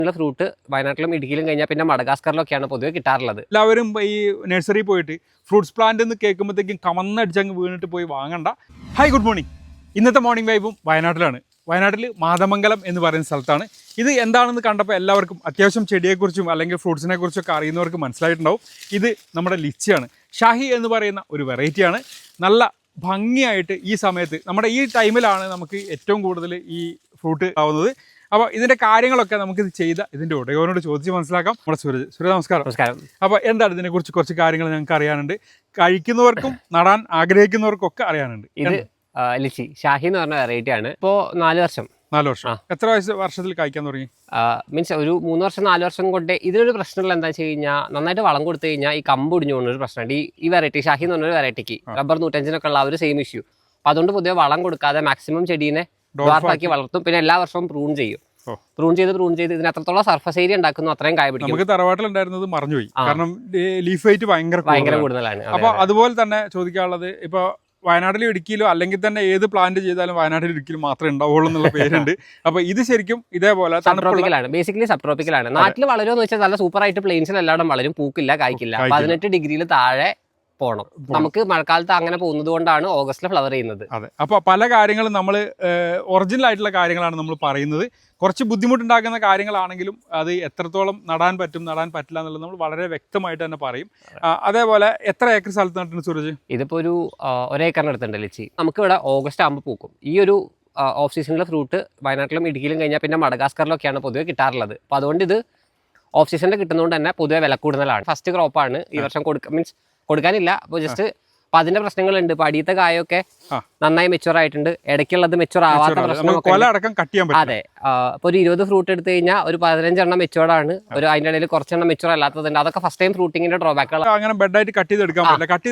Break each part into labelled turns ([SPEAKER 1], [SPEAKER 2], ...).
[SPEAKER 1] Fruit വയനാട്ടിലും ഇടുക്കിയിലും കഴിഞ്ഞാൽ പിന്നെ മഡഗാസ്കറിലൊക്കെയാണ് പൊതുവെ കിട്ടാറുള്ളത്.
[SPEAKER 2] എല്ലാവരും ഈ നഴ്സറി പോയിട്ട് ഫ്രൂട്ട്സ് പ്ലാന്റ് എന്ന് കേൾക്കുമ്പോഴത്തേക്കും കമന്നടിച്ചങ്ങ് വീണിട്ട് പോയി വാങ്ങണ്ട. Hi, good morning. ഇന്നത്തെ മോർണിംഗ് വൈബും വയനാട്ടിലാണ്. വയനാട്ടിൽ മാതമംഗലം എന്ന് പറയുന്ന സ്ഥലത്താണ്. ഇത് എന്താണെന്ന് കണ്ടപ്പോൾ എല്ലാവർക്കും അത്യാവശ്യം ചെടിയെക്കുറിച്ചും അല്ലെങ്കിൽ ഫ്രൂട്ട്സിനെ കുറിച്ചൊക്കെ അറിയുന്നവർക്ക് മനസ്സിലായിട്ടുണ്ടാവും. ഇത് നമ്മുടെ ലിച്ചിയാണ്. ഷാഹി എന്ന് പറയുന്ന ഒരു വെറൈറ്റിയാണ്. നല്ല ഭംഗിയായിട്ട് ഈ സമയത്ത് നമ്മുടെ ഈ ടൈമിലാണ് നമുക്ക് ഏറ്റവും കൂടുതൽ ഈ ഫ്രൂട്ട് ആവുന്നത്. അപ്പോൾ ഇതിൻ്റെ കാര്യങ്ങളൊക്കെ നമുക്കിത് ചെയ്ത ഇതിൻ്റെ ഉടയോനോട് ചോദിച്ച് മനസ്സിലാക്കാം. നമ്മുടെ സുരജ് നമസ്കാരം.
[SPEAKER 1] നമസ്കാരം.
[SPEAKER 2] അപ്പോൾ എന്താണ് ഇതിനെക്കുറിച്ച് കുറച്ച് കാര്യങ്ങൾ ഞങ്ങൾക്ക് അറിയാനുണ്ട്. കഴിക്കുന്നവർക്കും നടാൻ ആഗ്രഹിക്കുന്നവർക്കും ഒക്കെ അറിയാനുണ്ട്.
[SPEAKER 1] ഇത് ലിച്ചി ഷാഹി എന്ന് പറഞ്ഞ വെറൈറ്റി ആണ്. ഇപ്പോൾ 4 വർഷം.
[SPEAKER 2] എത്ര വർഷത്തിൽ കഴിക്കാൻ തുടങ്ങി?
[SPEAKER 1] മീൻസ് ഒരു 3 വർഷം 4 വർഷം കൊണ്ട്. ഇതിനൊരു പ്രശ്നമുള്ള എന്താ വെച്ച് കഴിഞ്ഞാൽ നന്നായിട്ട് വളം കൊടുത്തു കഴിഞ്ഞാൽ ഈ കമ്പ് ഒടിഞ്ഞു പോകുന്ന ഒരു പ്രശ്നമുണ്ട്. ഈ വെറൈറ്റി ഷാഹി എന്ന് പറഞ്ഞൊരു വെറൈറ്റിക്ക് റബ്ബർ 105 ഉള്ള ഒരു സെയിം ഇഷ്യൂ. അപ്പോൾ അതുകൊണ്ട് പൊതുവെ വളം കൊടുക്കാതെ മാക്സിമം ചെടീനെ ഡ്വാർഫാക്കി വളർത്തും. പിന്നെ എല്ലാ വർഷവും പ്രൂൺ ചെയ്യും. പ്രൂൺ ചെയ്ത് ഇതിന് എത്രത്തോളം സർഫസ് ഏരിയ ഉണ്ടാക്കുന്നു അത്രയും കായ പിടിക്കും.
[SPEAKER 2] നമുക്ക് തറവാട്ടിലുണ്ടായിരുന്നത് മറന്നുപോയി, കാരണം ലീഫ് വെയിറ്റ് ഭയങ്കര കൂടുതലാണ്. അപ്പൊ അതുപോലെ തന്നെ ചോദിക്കാനുള്ളത്, ഇപ്പൊ വയനാട്ടിലും ഇടുക്കിയിലോ അല്ലെങ്കിൽ തന്നെ ഏത് പ്ലാന്റ് ചെയ്താലും വയനാട്ടിലും ഇടുക്കിയിലും മാത്രമേ ഉണ്ടാവുള്ളൂ എന്നുള്ള പേരുണ്ട്. അപ്പൊ ഇത് ശരിക്കും ഇതേപോലെ
[SPEAKER 1] സബ്ട്രോപ്പിക്കലാണ്, ബേസിക്കലി സബ്ട്രോപ്പിക്കലാണ്. നാട്ടിൽ വളരുമെന്ന് വെച്ചാൽ നല്ല സൂപ്പർ ആയിട്ട് പ്ലെയിൻസിൽ എല്ലായിടും വളരും, പൂക്കില്ല, കായ്ക്കില്ല. 18 ഡിഗ്രിയിൽ താഴെ പോകണം. നമുക്ക് മഴക്കാലത്ത് അങ്ങനെ പോകുന്നത് കൊണ്ടാണ് ഓഗസ്റ്റിൽ ഫ്ലവർ ചെയ്യുന്നത്.
[SPEAKER 2] അതെ. അപ്പോൾ പല കാര്യങ്ങളും നമ്മൾ ഒറിജിനൽ ആയിട്ടുള്ള കാര്യങ്ങളാണ് നമ്മൾ പറയുന്നത്. കുറച്ച് ബുദ്ധിമുട്ടുണ്ടാക്കുന്ന കാര്യങ്ങളാണെങ്കിലും അത് എത്രത്തോളം നടാൻ പറ്റും നടാൻ പറ്റില്ല എന്നുള്ളത് നമ്മൾ വളരെ വ്യക്തമായിട്ട് തന്നെ പറയും. അതേപോലെ എത്ര ഏക്കർ സ്ഥലത്ത് നട്ടിട്ടുണ്ട് സൂരജ്?
[SPEAKER 1] ഇതിപ്പോൾ ഒരു ഒരേക്കറിന് അടുത്തുണ്ട് ലിച്ചി. നമുക്കിവിടെ ഓഗസ്റ്റ് ആകുമ്പോൾ പൂക്കും. ഈ ഒരു ഓഫ് സീസണിലെ ഫ്രൂട്ട് വയനാട്ടിലും ഇടുക്കിയിലും കഴിഞ്ഞാൽ പിന്നെ മഡഗാസ്കറിലൊക്കെയാണ് പൊതുവെ കിട്ടാറുള്ളത്. അപ്പോൾ അതുകൊണ്ട് ഇത് ഓഫ് സീസണിൽ കിട്ടുന്നതുകൊണ്ട് തന്നെ പൊതുവെ വില കൂടുതലാണ്. ഫസ്റ്റ് ക്രോപ്പാണ് ഈ വർഷം കൊടുക്കാനില്ല. അപ്പോൾ ജസ്റ്റ് അപ്പൊ അതിന്റെ പ്രശ്നങ്ങളുണ്ട്. ഇപ്പൊ അടിയത്തെ കായൊക്കെ നന്നായി മെച്ചുവർ ആയിട്ടുണ്ട്, ഇടയ്ക്കുള്ളത് മെച്ചുവർ ആവാത്ത പ്രശ്നം. അതെ. ഇപ്പൊ ഒരു 20 ഫ്രൂട്ട് എടുത്തു കഴിഞ്ഞാൽ ഒരു 15 എണ്ണം മെച്ചുവർഡ് ആണ്, ഒരു അതിന്റെ ഇടയിൽ കുറച്ചെണ്ണം മെച്ചുവർ അല്ലാത്തതുണ്ട്. അതൊക്കെ ഫസ്റ്റ് ടൈം ഫ്രൂട്ടിങ്ങിന്റെ ഡ്രോബാക്കുകൾ.
[SPEAKER 2] അങ്ങനെ ബെഡായിട്ട് കട്ട് ചെയ്തെടുക്കാൻ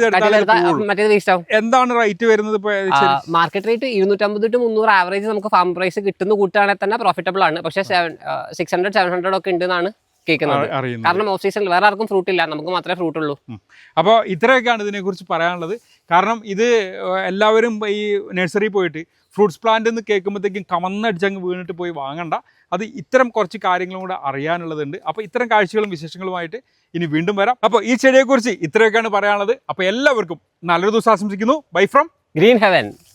[SPEAKER 1] മറ്റേത് വേസ്റ്റ് ആവും.
[SPEAKER 2] എന്താണ് റേറ്റ് വരുന്നത്?
[SPEAKER 1] മാർക്കറ്റ് റേറ്റ് 250 to 300 ആവറേജ് നമുക്ക് ഫാം പ്രൈസ് കിട്ടുന്ന കൂട്ടുകയാണെങ്കിൽ തന്നെ പ്രോഫിറ്റബിൾ ആണ്. പക്ഷേ 600-700 ഒക്കെ ഉണ്ടെന്നാണ് കേൾക്കുന്നത്. കാരണം ഓഫ് സീസണിൽ വേറെ ആർക്കും ഫ്രൂട്ട് ഇല്ല, നമുക്ക് മാത്രമേ ഫ്രൂട്ട് ഉള്ളൂ.
[SPEAKER 2] അപ്പോൾ ഇത്രയൊക്കെയാണ് ഇതിനെക്കുറിച്ച് പറയാനുള്ളത്. കാരണം ഇത് എല്ലാവരും ഈ നഴ്സറി പോയിട്ട് ഫ്രൂട്ട്സ് പ്ലാന്റ് എന്ന് കേൾക്കുമ്പോഴത്തേക്കും കമന്നടിച്ചങ്ങ് വീണിട്ട് പോയി വാങ്ങണ്ട. അത് ഇത്തരം കുറച്ച് കാര്യങ്ങളും കൂടെ അറിയാനുള്ളതുണ്ട്. അപ്പോൾ ഇത്തരം കാഴ്ചകളും വിശേഷങ്ങളുമായിട്ട് ഇനി വീണ്ടും വരാം. അപ്പോൾ ഈ ചെടിയെക്കുറിച്ച് ഇത്രയൊക്കെയാണ് പറയാനുള്ളത്. അപ്പോൾ എല്ലാവർക്കും നല്ലൊരു ദിവസം ആശംസിക്കുന്നു. Bye from
[SPEAKER 1] green heaven.